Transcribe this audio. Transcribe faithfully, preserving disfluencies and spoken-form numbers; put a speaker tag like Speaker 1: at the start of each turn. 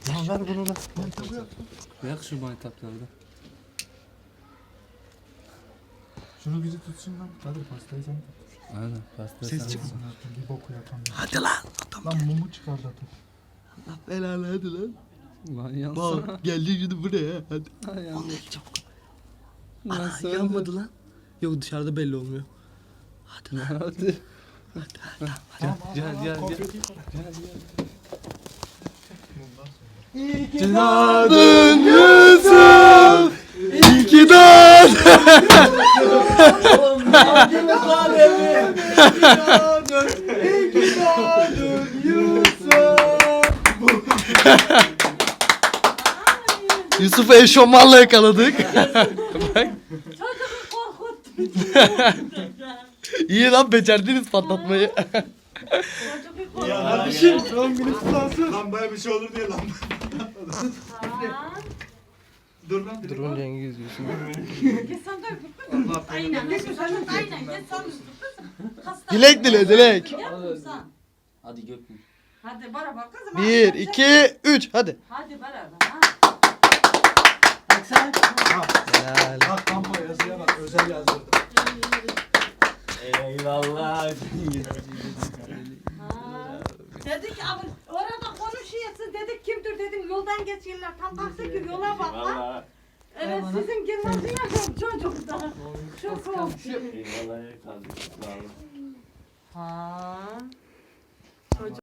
Speaker 1: Lan ver bunu lan.
Speaker 2: Yak şu maytaplarda.
Speaker 1: Şunu bizi tutsun lan. Hadi pastayı sen tut.
Speaker 2: Aynen pasta.
Speaker 1: Ses çıksın artık. Bir boku yapan.
Speaker 3: Hadi lan.
Speaker 1: Lan mumu çıkardı artık.
Speaker 3: Allah belanı hadi lan.
Speaker 2: Lan yansana.
Speaker 3: Bak geldi şimdi buraya hadi.
Speaker 2: Ay yandı.
Speaker 3: Çabuk.
Speaker 2: Lan
Speaker 3: Ana
Speaker 2: söyle.
Speaker 3: yanmadı lan. Yok dışarıda belli olmuyor. Hadi lan.
Speaker 2: Hadi.
Speaker 1: Tamam,
Speaker 2: Gel
Speaker 1: al, al,
Speaker 2: gel
Speaker 1: al,
Speaker 2: gel.
Speaker 1: konfeti koy.
Speaker 3: Doğdun Yusuf. İyi ki doğdun. Yusuf'u eşofmanla yakaladık.
Speaker 4: Çocuğu korkuttun.
Speaker 3: İyi lan becerdiniz patlatmayı.
Speaker 4: Çocuğu korkuttun.
Speaker 1: Kardeşim son günü kutlansın. Lambaya bir şey olur diye lamba. Dur lan.
Speaker 3: Durun Cengiz Yusuf.
Speaker 4: Git sen de öp. Aynen. Git sen de aynen. Git sen de öp.
Speaker 3: Dilek dile dilek.
Speaker 4: Yapma sen.
Speaker 2: Hadi gökmüş.
Speaker 4: Hadi beraber kızım.
Speaker 3: Bir, iki, üç hadi.
Speaker 4: Hadi beraber. Ha.
Speaker 3: Helal.
Speaker 1: Bak lamba yazıya bak. Özel yazdırdım.
Speaker 2: Eyvallah.
Speaker 4: Ha. Dedik abi orada konuşuyorsun dedik kimdir dedim yoldan geçiyorlar tam kalktı ki yola bak lan. Evet sizin girmeniz yok çocukta. Çok oldu.
Speaker 2: Eyvallah.
Speaker 4: Ha. Çocuk